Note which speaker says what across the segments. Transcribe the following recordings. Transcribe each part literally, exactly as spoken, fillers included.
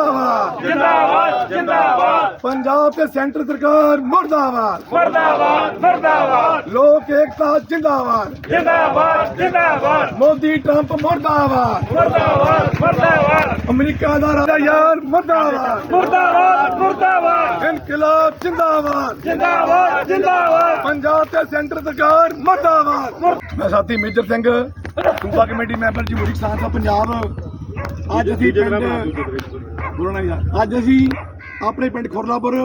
Speaker 1: मुर्दाबाद
Speaker 2: जिंदाबाद जिंदाबाद
Speaker 1: पंजाब के सेंटर सरकार मुर्दाबाद
Speaker 2: मुर्दाबाद मुर्दाबाद
Speaker 1: लोक एकता जिंदाबाद
Speaker 2: जिंदाबाद जिंदाबाद
Speaker 1: मोदी ट्रंप मुर्दाबाद
Speaker 2: मुर्दाबाद मुर्दाबाद
Speaker 1: अमेरिका का राजा यार मुर्दाबाद
Speaker 2: मुर्दाबाद मुर्दाबाद
Speaker 1: इनकलाब जिंदाबाद
Speaker 2: जिंदाबाद जिंदाबाद
Speaker 1: पंजाब के सेंटर सरकार मुर्दाबाद मैं साथी मेजर सिंह सूबा कमेटी मैंबर जमहूरी किसान सभा पंजाब ਅੱਜ ਅਸੀਂ ਪਿੰਡ ਬੋਲਣਾ ਯਾਰ ਅੱਜ ਅਸੀਂ ਆਪਣੇ ਪਿੰਡ ਖੁਰਲਾਪੁਰ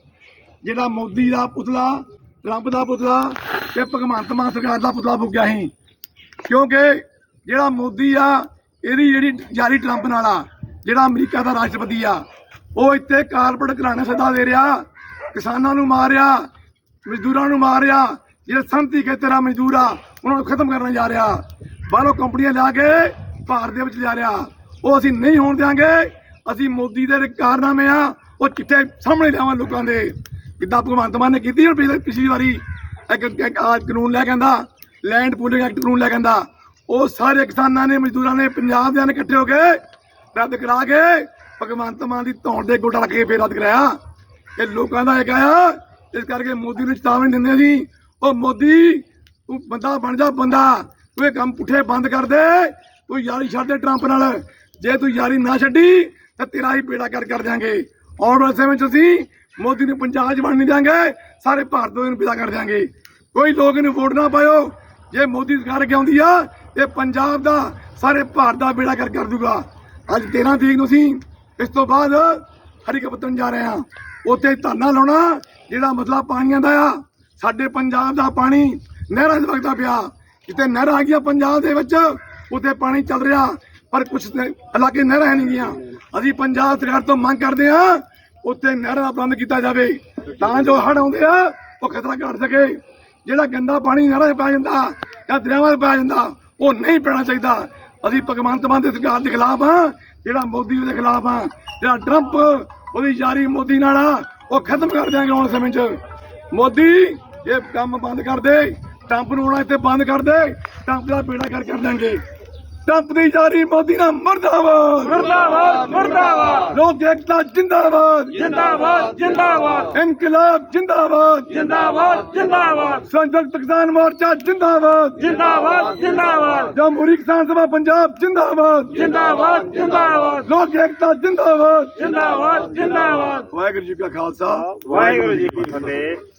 Speaker 1: ਜਿਹੜਾ ਮੋਦੀ ਦਾ ਪੁਤਲਾ ਟਰੰਪ ਦਾ ਪੁਤਲਾ ਤੇ ਭਗਵੰਤ ਮਾਨ ਸਰਕਾਰ ਦਾ ਪੁਤਲਾ ਫੂਕਿਆ ਸੀ ਕਿਉਂਕਿ ਜਿਹੜਾ ਮੋਦੀ ਆ ਇਹਦੀ ਜਿਹੜੀ ਜਾਰੀ ਟਰੰਪ ਨਾਲ ਆ ਜਿਹੜਾ ਅਮਰੀਕਾ ਦਾ ਰਾਸ਼ਟਰਪਤੀ ਆ ਉਹ ਇੱਥੇ ਕਾਰਪੋਰੇਟ ਘਰਾਣੇ ਸੱਦਾ ਦੇ ਰਿਹਾ ਕਿਸਾਨਾਂ ਨੂੰ ਮਾਰਿਆ ਮਜ਼ਦੂਰਾਂ ਨੂੰ ਮਾਰਿਆ ਜਿਹੜੇ ਸੰਤੀ ਖੇਤਰ ਆ ਮਜ਼ਦੂਰ ਆ ਉਹਨਾਂ ਨੂੰ ਖਤਮ ਕਰਨ ਜਾ ਰਿਹਾ ਬਾਹਰੋਂ ਕੰਪਨੀਆਂ ਲਿਆ ਕੇ ਭਾਰਤ ਦੇ ਵਿੱਚ ਲਿਆ ਰਿਹਾ ਉਹ ਅਸੀਂ ਨਹੀਂ ਹੋਣ ਦਿਆਂਗੇ ਅਸੀਂ ਮੋਦੀ ਦੇ ਕਾਰਨਾਮੇ ਆ ਉਹ ਚਿੱਟੇ ਸਾਹਮਣੇ ਲਿਆਵਾਂ ਲੋਕਾਂ ਦੇ ਕਿੱਦਾਂ ਭਗਵੰਤ ਮਾਨ ਨੇ ਕੀਤੀ ਹੁਣ ਪਿਛਲੀ ਵਾਰੀ ਇੱਕ ਕਾਨੂੰਨ ਲੈ ਕੇ ਆਂਦਾ ਲੈਂਡ ਪੂਲਿੰਗ ਐਕਟ ਕਾਨੂੰਨ ਲੈ ਕੇ ਆਂਦਾ ਉਹ ਸਾਰੇ ਕਿਸਾਨਾਂ ਨੇ ਮਜ਼ਦੂਰਾਂ ਨੇ ਪੰਜਾਬ ਦੇ ਨੇ ਇਕੱਠੇ ਹੋ ਕੇ ਰੱਦ ਕਰਾ ਕੇ ਭਗਵੰਤ ਮਾਨ ਦੀ ਧੌਣ ਦੇ ਗੋਡਾ ਰੱਖ ਕੇ ਫੇਰ ਰੱਦ ਕਰਾਇਆ ਇਹ ਲੋਕਾਂ ਦਾ ਇੱਕ ਆਇਆ ਇਸ ਕਰਕੇ ਮੋਦੀ ਨੂੰ ਚੇਤਾਵਨੀ ਦਿੰਦੇ ਸੀ ਉਹ ਮੋਦੀ ਤੂੰ ਬੰਦਾ ਬਣ ਜਾ ਬੰਦਾ ਤੂੰ ਇਹ ਕੰਮ ਪੁੱਠੇ ਬੰਦ ਕਰ ਦੇ ਤੂੰ ਯਾਰੀ ਛੱਡ ਦੇ ਟਰੰਪ ਨਾਲ ਜੇ ਤੂੰ ਯਾਰੀ ਨਾ ਛੱਡੀ ਤਾਂ ਤੇਰਾ ਹੀ ਬੇੜਾ ਕਰ ਕਰ ਦਿਆਂਗੇ ਆਉਣ ਵਾਲੇ ਸਮੇਂ 'ਚ ਅਸੀਂ ਮੋਦੀ ਨੂੰ ਪੰਜਾਬ 'ਚ ਬਣ ਨਹੀਂ ਦਿਆਂਗੇ ਸਾਰੇ ਭਾਰਤ ਨੂੰ ਵਿਦਾ ਕਰ ਦਿਆਂਗੇ ਕੋਈ ਲੋਕ ਇਹਨੂੰ ਵੋਟ ਨਾ ਪਾਇਓ ਜੇ ਮੋਦੀ ਸਰਕਾਰ ਅੱਗੇ ਆਉਂਦੀ ਆ ਇਹ ਪੰਜਾਬ ਦਾ ਸਾਰੇ ਭਾਰਤ ਦਾ ਬੇੜਾ ਕਰ ਕਰ ਦੂਗਾ ਅੱਜ ਤੇਰਾਂ ਤਰੀਕ ਨੂੰ ਅਸੀਂ ਇਸ ਤੋਂ ਬਾਅਦ ਹਰੀਕਪਤਨ ਜਾ ਰਹੇ ਹਾਂ ਉੱਥੇ ਧਰਨਾ ਲਾਉਣਾ ਜਿਹੜਾ ਮਸਲਾ ਪਾਣੀਆਂ ਦਾ ਆ ਸਾਡੇ ਪੰਜਾਬ ਦਾ ਪਾਣੀ ਨਹਿਰਾਂ 'ਚ ਵਗਦਾ ਪਿਆ ਜਿੱਥੇ ਨਹਿਰਾਂ ਆ ਗਈਆਂ ਪੰਜਾਬ ਦੇ ਵਿੱਚ ਉੱਥੇ ਪਾਣੀ ਚੱਲ ਰਿਹਾ ਪਰ ਕੁਝ ਇਲਾਕੇ ਨਹਿਰਾਂ ਹੈ ਨਹੀਂ ਗੀਆਂ ਅਸੀਂ ਪੰਜਾਬ ਸਰਕਾਰ ਤੋਂ ਮੰਗ ਕਰਦੇ ਹਾਂ ਉੱਥੇ ਨਹਿਰਾਂ ਦਾ ਪ੍ਰਬੰਧ ਕੀਤਾ ਜਾਵੇ ਤਾਂ ਜੋ ਹੜ੍ਹ ਆਉਂਦੇ ਆ ਉਹ ਖਤਰਾ ਘਟ ਸਕੇ ਜਿਹੜਾ ਗੰਦਾ ਪਾਣੀ ਨਹਿਰਾਂ 'ਚ ਪੈ ਜਾਂਦਾ ਜਾਂ ਦਰਿਆਵਾਂ 'ਚ ਪੈ ਜਾਂਦਾ ਉਹ ਨਹੀਂ ਪੈਣਾ ਚਾਹੀਦਾ ਅਸੀਂ ਭਗਵੰਤ ਮਾਨ ਦੀ ਸਰਕਾਰ ਦੇ ਖਿਲਾਫ ਹਾਂ ਜਿਹੜਾ ਮੋਦੀ ਦੇ ਖਿਲਾਫ ਹਾਂ ਜਿਹੜਾ ਟਰੰਪ ਉਹਦੀ ਯਾਰੀ ਮੋਦੀ ਨਾਲ ਆ ਉਹ ਖਤਮ ਕਰ ਦਿਆਂਗੇ ਆਉਣ ਸਮੇਂ 'ਚ ਮੋਦੀ ਇਹ ਕੰਮ ਬੰਦ ਕਰ ਦੇ ਟਰੰਪ ਨੂੰ ਆਉਣਾ ਇੱਥੇ ਬੰਦ ਕਰ ਦੇ ਟਰੰਪ ਦਾ ਬੇੜਾ ਕਰ ਕਰ ਦਿਆਂਗੇ ਟਰੰਪ ਦੀ ਯਾਰੀ ਮੋਦੀ ਨਾਲ ਮੁਰਦਾਬਾਦ
Speaker 2: मुर्दाबाद मुर्दाबाद
Speaker 1: ਲੋਕ ਏਕਤਾ ਜਿੰਦਾਬਾਦ
Speaker 2: जिंदाबाद जिंदाबाद
Speaker 1: ਇਨਕਲਾਬ ਜਿੰਦਾਬਾਦ
Speaker 2: जिंदाबाद जिंदाबाद
Speaker 1: ਸੰਯੁਕਤ ਕਿਸਾਨ ਮੋਰਚਾ ਜਿੰਦਾਬਾਦ
Speaker 2: जिंदाबाद जिंदाबाद
Speaker 1: ਜਮਹੂਰੀ ਕਿਸਾਨ ਸਭਾ ਪੰਜਾਬ ਜਿੰਦਾਬਾਦ
Speaker 2: जिंदाबाद जिंदाबाद
Speaker 1: ਲੋਕ ਏਕਤਾ ਜਿੰਦਾਬਾਦ
Speaker 2: जिंदाबाद जिंदाबाद
Speaker 1: ਵਾਹਿਗੁਰੂ ਜੀ ਕਾ ਖਾਲਸਾ
Speaker 2: वाहिगुरु जी की फतेह।